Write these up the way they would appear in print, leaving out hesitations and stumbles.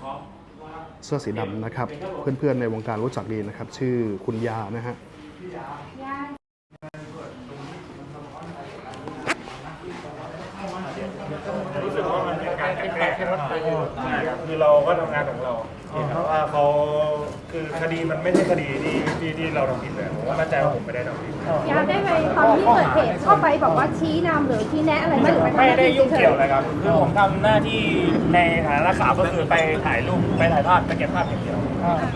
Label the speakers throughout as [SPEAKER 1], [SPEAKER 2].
[SPEAKER 1] เสื้อสีดำนะครับเพื่อนๆในวงการรู้จักดีนะครับชื่อคุณยานะฮะ
[SPEAKER 2] รู้สึกว่ามันเป็นการแก้ไขคือเราก็ทำงานของเราแต่ว่าเขาคือคดีมันไม่ใช่คดีที่เราทำผิดเลยผมว่ามั่นใจว่าผมไม่ได้ทำผิด
[SPEAKER 3] ยาได้ไปตอนที่เกิดเหตุเข้าไปบอกว่าชี้นำหรือชี้แนะอะไรไม่หรือไปทำห
[SPEAKER 2] ไม่
[SPEAKER 3] น้า
[SPEAKER 2] ได้
[SPEAKER 3] ที่
[SPEAKER 2] ยุ่ง
[SPEAKER 3] เฉ
[SPEAKER 2] เกี่ย
[SPEAKER 3] ยว
[SPEAKER 2] เลยครับคือผมทำหน้าที่ในฐานะนักข่าวก็คือไปถ่ายรูปไปถ่ายภาพไปเก็บภาพอย่างเดียว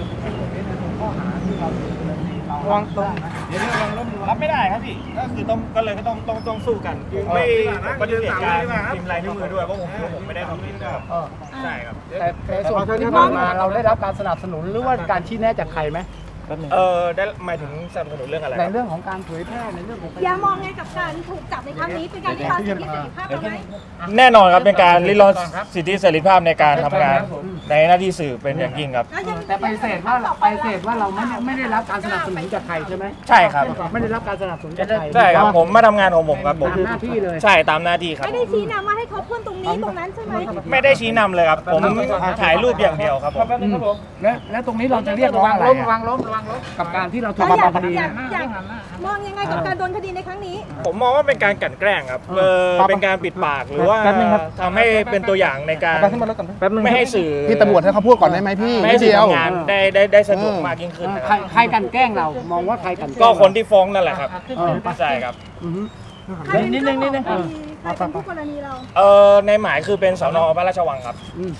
[SPEAKER 2] วางตรงรับไม่ได้ครับพี่ก็คือต้องสู้กันไม่ปฏิเสธการพิมพ์ลายนิ้วมือด้วยเพราะผมไม่ได้ทำผิดนะครับใช่ครับ
[SPEAKER 4] แต่ในส่วนที่ผ่านมาเราได้รับการสนับสนุนหรือว่าการชี้แนะจากใครไหม
[SPEAKER 2] ได้หมายถึงสนับสนุนเรื่องอะไร
[SPEAKER 4] ในเรื่องของการเผยแพร่ในเรื่องของ
[SPEAKER 3] ยามองไงกับการถูกจับในครั้งนี้เป็นการริดรอนสิทธิเสรีภาพเราไหม
[SPEAKER 2] แน่นอนครับเป็นการริดรอนสิทธิเสรีภาพในการทำงานในหน้าที่สื่อเป็นอย่างยิ่งครับ
[SPEAKER 4] แต่ไปเสธว่าเราไม่ได้รับการสนับสนุนจากใครใช่ไหม
[SPEAKER 2] ใช่ครับ
[SPEAKER 4] ไม่ได้รับการสนับสนุนจากใคร
[SPEAKER 2] ใช่ครับผมมาทำงานของผมครับผม
[SPEAKER 4] ตามหน้าที่เลย
[SPEAKER 2] ใช่ตามหน้าที่ครับ
[SPEAKER 3] ไม่ได้ชี้นำว่าให้เขาพ่นตรงนี้ตรงนั้นใช่ไหม
[SPEAKER 2] ไม่ได้ชี้นำเลยครับผมถ่ายรูปอย่างเดียวครับผม
[SPEAKER 4] และตรงนี้เราจะเรียกร้องอะไรกับการที่เราถูกดำเนินคดี
[SPEAKER 3] อยากมองยังไงกับการโดนคดีในครั้งนี้
[SPEAKER 2] ผมมองว่าเป็นการกลั่นแกล้งครับเป็นการปิดปากหรือว่าทำให้เป็นตัวอย่างในการไม่ให้สื่อ
[SPEAKER 1] พี่ตำรวจให้เขาพูดก่อนได้ไหมพี่
[SPEAKER 2] ไม่ให้สื่อทำงานได้สะดวกมากยิ่งขึ้นนะครับ
[SPEAKER 4] ใครกันแกล้งเรามองว่าใครกัน
[SPEAKER 2] ก็คนที่ฟ้องนั่นแหละครับใช่ครับ
[SPEAKER 3] นิดนึงใครเป็นผู้กรณีเรา
[SPEAKER 2] ในหมายคือเป็นสน.พระราชวังครับ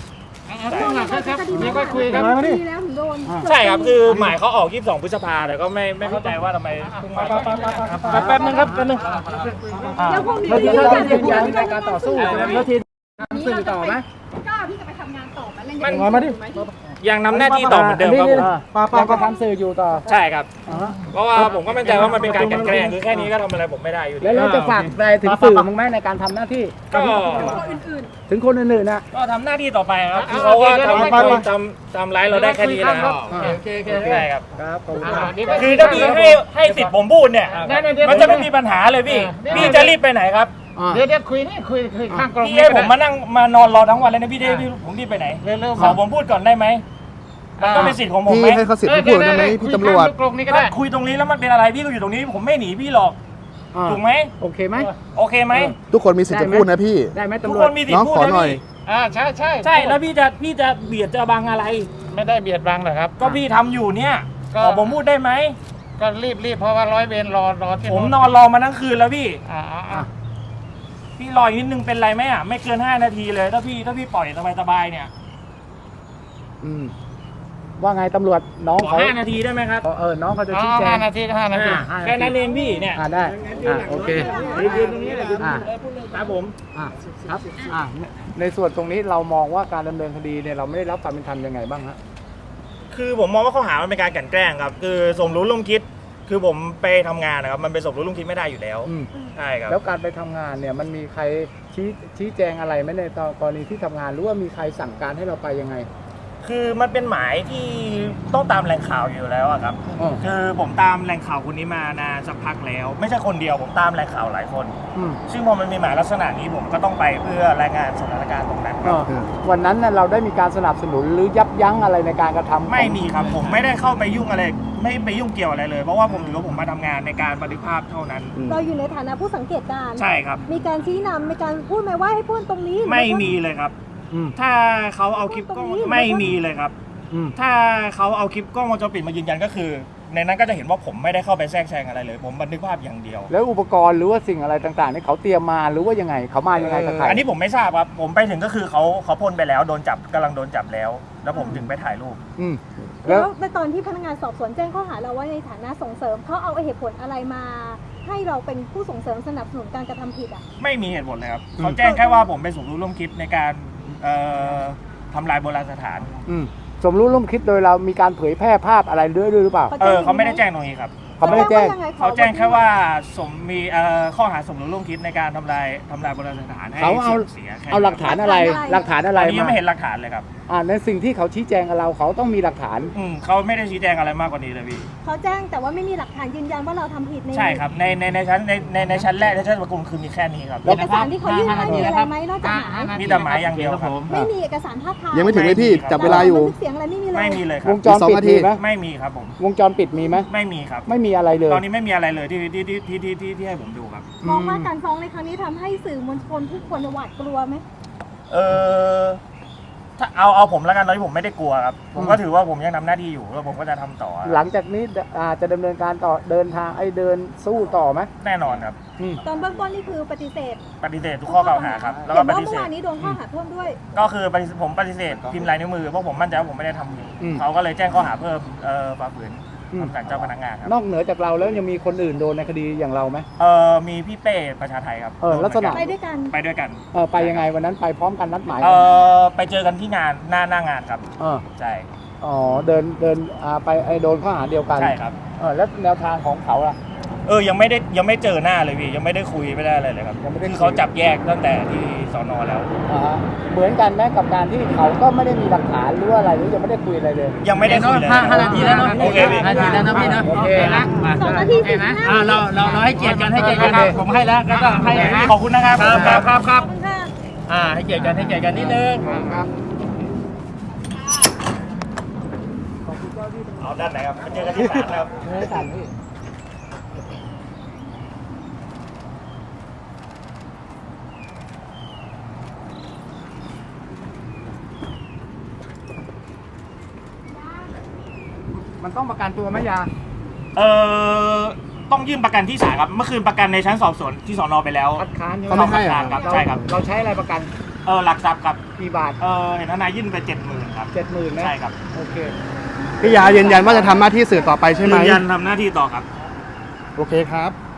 [SPEAKER 3] นี่ก็คุยกันดีแล้วถึงโดน
[SPEAKER 2] ใช่ครับคือหมายเขาออก22 พฤษภาแต่ก็ไม่เข้าใจว่าทำไมแป๊บนึงครับแป๊บนึง
[SPEAKER 4] เราจะยืนยันในการต่อสู้แล้วทีสื่อต่อไหม
[SPEAKER 3] ก็พี่จะไปทำงานต่อ
[SPEAKER 2] มาดิยังนำหน้าที่ต่อเหมือนเดิมครับผม
[SPEAKER 4] ยังจะทำสื่ออยู่ต่อ
[SPEAKER 2] ใช่ครับเพราะว่าผมก็มั่นใจว่ามันเป็นการกลั่นแกล้งคือแค่นี้ก็ทำอะไรผมไม่ได้อยู่
[SPEAKER 4] แล้วเราจะฝากอะไรถึงสื่อมั้งไหมในการทำหน้าที่
[SPEAKER 2] ก็
[SPEAKER 4] ถึงคนอื่นๆนะ
[SPEAKER 2] ก็ทำหน้าที่ต่อไปครับคือเขาว่าทำร้ายเราได้แค่นี้แล้วใช่ครับคือถ้าพี่ให้สิทธิ์ผมพูดเนี่ยมันจะไม่มีปัญหาเลยพี่จะรีบไปไหนครับ
[SPEAKER 4] เดี๋ยวคุยข้างกรง
[SPEAKER 2] พี่ให้ผมมานอนรอทั้งวันเลยนะพี่ผมรีบไปไหนขอผมพูดก่อนได้ไหมมันก็เป็นสิทธิ์ของผมไหม
[SPEAKER 1] พี่ให้เขาสิทธิ์พูดได้ไหมพี่ตำรวจ
[SPEAKER 2] คุยตรงนี้แล้วมันเป็นอะไรพี่ก็อยู่ตรงนี้ผมไม่หนีพี่หรอกถูกไหม
[SPEAKER 4] โอเคไหม
[SPEAKER 1] ทุกคนมีสิทธิ์จะพูดนะพี่
[SPEAKER 4] ได้ไหมตำรวจ
[SPEAKER 2] ทุกคนมีสิทธิ์พูดนะพี่
[SPEAKER 4] ใช่
[SPEAKER 2] แล้วพี่จะเบียดจะบังอะไร
[SPEAKER 4] ไม่ได้เบียดบังหรอกครับ
[SPEAKER 2] ก็พี่ทำอยู่เนี่ยขอผมพูดได้ไหม
[SPEAKER 4] ก็รีบเพราะว่าร้อยเวรรอที่
[SPEAKER 2] ผมนอนรอมาทั้งคืนแล้วพี่พี่รออีกนิดนึงเป็นไรไหมอ่ะไม่เกิน5 นาทีเลยถ้าพี่ปล่อยสบายๆเนี่ย
[SPEAKER 4] ว่าไงตำรวจน้องเขา
[SPEAKER 2] 5 นาทีได้ไหมครับ
[SPEAKER 4] น้องเขาจะชี้แจง
[SPEAKER 2] 5 นาทีแค่นั้นเองพี่เนี่ย
[SPEAKER 4] ได้โอเค
[SPEAKER 2] ยืนตรงนี้เลยครับผม
[SPEAKER 4] ครับในส่วนตรงนี้เรามองว่าการดำเนินคดีเนี่ยเราไม่ได้รับความเป็นธรรมยังไงบ้างฮะ
[SPEAKER 2] คือผมมองว่าข้อหามันเป็นการกลั่นแกล้งครับคือสมรู้ร่วมคิดคือผมไปทำงานนะครับมันเป็นสมรู้ร่วมคิดไม่ได้อยู่แล้วใช่ครับ
[SPEAKER 4] แล้วการไปทำงานเนี่ยมันมีใครชี้แจงอะไรไหมในกรณีที่ทำงานหรือว่ามีใครสั่งการให้เราไปยังไง
[SPEAKER 2] คือมันเป็นหมายที่ต้องตามแหล่งข่าวอยู่แล้วครับคือผมตามแหล่งข่าวคนนี้มานานสักพักแล้วไม่ใช่คนเดียวผมตามแหล่งข่าวหลายคนซึ่งพอมันมีหมายลักษณะนี้ผมก็ต้องไปเพื่อรายงานสถานการณ์ตรงนั้น
[SPEAKER 4] วันนั้นเราได้มีการสนับสนุนหรือยับยั้งอะไรในการกระทำ
[SPEAKER 2] ไม่มีครับผมไม่ได้เข้าไปยุ่งอะไรไม่ไปยุ่งเกี่ยวอะไรเลยเพราะว่าผมถือว่าผมมาทำงานในการบันทึกภาพเท่านั้น
[SPEAKER 3] เราอยู่ในฐานะผู้สังเกตการณ์
[SPEAKER 2] ใช่ครับ
[SPEAKER 3] มีการชี้นำมีการพูดไหมว่าให้พูดตรงนี้
[SPEAKER 2] ไม่มีเลยครับถ้าเขาเอาคลิปกล้องไม่มีเลยครับถ้าเขาเอาคลิปกล้องวงจรปิดมายืนยันก็คือในนั้นก็จะเห็นว่าผมไม่ได้เข้าไปแทรกแซงอะไรเลยผมบันทึกภาพอย่างเดียว
[SPEAKER 4] แล้วอุปกรณ์หรือว่าสิ่งอะไรต่างๆนี่เขาเตรียมมาหรือว่ายังไงเขามายังไงกับใคร
[SPEAKER 2] อันนี้ผมไม่ทราบครับผมไปถึงก็คือเขาพ่นไปแล้วโดนจับกำลังโดนจับแล้วผมถึงไปถ่ายรูป
[SPEAKER 3] แล้วในตอนที่พนักงานสอบสวนแจ้งข้อหาเราว่าในฐานะส่งเสริมเขาเอาเหตุผลอะไรมาให้เราเป็นผู้ส่งเสริมสนับสนุนการกระทำผิด
[SPEAKER 2] ไม่มีเหตุผลเลยครับเขาแจ้งแค่ว่าผมเป็นสมรู้ร่วมคิดในการทำลายโบราณสถาน
[SPEAKER 4] สมรู้ร่วมคิดโดยเรามีการเผยแพร่ภาพอะไรด้วยหรือเปล่า
[SPEAKER 2] เขาไม่ได้แจ้งตรงนี้ครับ
[SPEAKER 4] เขาไม่ได้แจ้ง
[SPEAKER 2] เขาแจ้งแค่ว่ามีข้อหาสมรู้ร่วมคิดในการทำลายโบราณสถานให้
[SPEAKER 4] เขาเอาหลักฐานอะไร
[SPEAKER 2] ยังไม่เห็นหลักฐานเลยครับ
[SPEAKER 4] ในสิ่งที่เขาชี้แจงกับเราเขาต้องมีหลักฐาน
[SPEAKER 2] เขาไม่ได้ชี้แจงอะไรมากกว่านี้เลยพี่
[SPEAKER 3] เขาแจ้งแต่ว่าไม่มีหลักฐานยืนยันว่าเราทำผิด
[SPEAKER 2] ใช่ครับในชั้นแรกในชั้นประกุมคือมีแค่นี้ครับ
[SPEAKER 3] เอกสารที่เขายื่นให้มีอะไรไหมนอกจากหมาย
[SPEAKER 2] มีแต่หมายอย่างเดียวครับ
[SPEAKER 3] ไม่มีเอกสารภาพถ่าย
[SPEAKER 1] ยังไม่ถึงเลยพี่จับเวลาอยู่
[SPEAKER 3] บันทึกเสียงอะไรไม่มีเลย
[SPEAKER 2] ไม่มีเลยครั
[SPEAKER 4] ว
[SPEAKER 2] บ
[SPEAKER 4] งจรปิดมีไหม
[SPEAKER 2] ไม่มีครับผม
[SPEAKER 4] วงจรปิดมีไหม
[SPEAKER 2] ไม่มีครับ
[SPEAKER 4] ไม่มีอะไรเลย
[SPEAKER 2] ตอนนี้ไม่มีอะไรเลยที่ให้ผมดูครับ
[SPEAKER 3] มองว่าการฟ้องในครั้งนี้ทำให้สื่อมวลชนทุกคนหวาดกลัวไหม
[SPEAKER 2] ถ้าเอาผมแล้วกันตอนนี้ผมไม่ได้กลัวครับผมก็ถือว่าผมยังทำหน้าที่อยู่แล้วผมก็จะทำต่อ
[SPEAKER 4] หลังจากนี้จะดำเนินการต่อเดินทางเดินสู้ต่อไหม
[SPEAKER 2] แน่นอนครับ
[SPEAKER 3] ตอนเบื้องต้นนี่คือปฏิเสธ
[SPEAKER 2] ปฏิเสธทุกข้อกล่าวหาครับแล้ว
[SPEAKER 3] เห็
[SPEAKER 2] ก็
[SPEAKER 3] น
[SPEAKER 2] ป
[SPEAKER 3] ว่า
[SPEAKER 2] ฏิ
[SPEAKER 3] เมื่
[SPEAKER 2] เส
[SPEAKER 3] อ
[SPEAKER 2] ธ
[SPEAKER 3] วานนี้โดนข้อหาเพิ่มด้วย
[SPEAKER 2] ก็คือผมปฏิเสธพิมพ์ลายนิ้วมือเพราะผมมั่นใจว่าผมไม่ได้ทำผิดเขาก็เลยแจ้งข้อหาเพิ่มฝ่าฝืนคำสั่งเจ้าพนักงานครับ
[SPEAKER 4] นอกเหนือจากเราแล้วยังมีคนอื่นโดนในคดีอย่างเราไหม
[SPEAKER 2] มีพี่เป้ประชาไทยครับ
[SPEAKER 4] ลักษณะ
[SPEAKER 3] ไปด้วยกัน
[SPEAKER 2] ไปด้วยกัน
[SPEAKER 4] ไปยังไงวันนั้นไปพร้อมกันนัดหมาย
[SPEAKER 2] ไปเจอกันที่งานหน้างานครับใช่
[SPEAKER 4] เดินไปโดนข้อหาเดียวกัน
[SPEAKER 2] ใช่ครับ
[SPEAKER 4] แล้วแนวทางของเขาล่ะ
[SPEAKER 2] ยังไม่เจอหน้าเลยพี่ยังไม่ได้คุยไม่ได้อะไรเลยครับ
[SPEAKER 4] ยังไม่ได้คุย
[SPEAKER 2] คือเขาจับแยกตั้งแต่ที่สนแล้ว
[SPEAKER 4] เหมือนกันไหมกับการที่เขาก็ไม่ได้มีหลักฐานหรือว่าอะไรหรือยังไม่ได้คุยอะไรเลย
[SPEAKER 2] ยังไม่ได้คุยเลย
[SPEAKER 5] 5 นาทีแล้วเนาะ
[SPEAKER 2] โอเคพี่
[SPEAKER 5] 5 นาทีแล้วนะพี่นะ
[SPEAKER 4] โอเคนะ
[SPEAKER 3] 2 นาที
[SPEAKER 5] โอเคไหม
[SPEAKER 3] 15
[SPEAKER 5] เราให้เกียรติกันให้เกียรติกัน
[SPEAKER 4] โอเค
[SPEAKER 5] ผมให้แล้วก็ให้
[SPEAKER 2] ขอบคุณนะครับ
[SPEAKER 5] ครับ
[SPEAKER 3] ขอบคุณค่ะ
[SPEAKER 5] ให้เกียรติกันให้เกียรติกันนิดนึง
[SPEAKER 4] ครับ
[SPEAKER 2] เอาด้านไหนครับไปเจอกันที่ศาลครับ
[SPEAKER 4] ไม่ทันพี่มันต้องประกันตัวไหมยา
[SPEAKER 2] ต้องยื่นประกันที่ศาลครับเมื่อคืนประกันในชั้นสอบสวนที่สนไปแล้ว
[SPEAKER 4] คัดค้านใช่ไหม
[SPEAKER 1] เขาไม่ให้
[SPEAKER 2] คัดค้านครับใช่ครับ
[SPEAKER 4] เราใช้อะไรประกัน
[SPEAKER 2] หลักทรัพย์ครับ
[SPEAKER 4] กี่บาท
[SPEAKER 2] เห็นทนายยื่นไป 70,000ครับ
[SPEAKER 4] 70,000นะ
[SPEAKER 2] ใช่ครับ
[SPEAKER 4] โอเค
[SPEAKER 1] พี่ยายืนยันว่าจะทำหน้าที่สื่อต่อไปใช่ไหม
[SPEAKER 2] ยืนยันทำหน้าที่ต่อครับ
[SPEAKER 1] โอเคครับ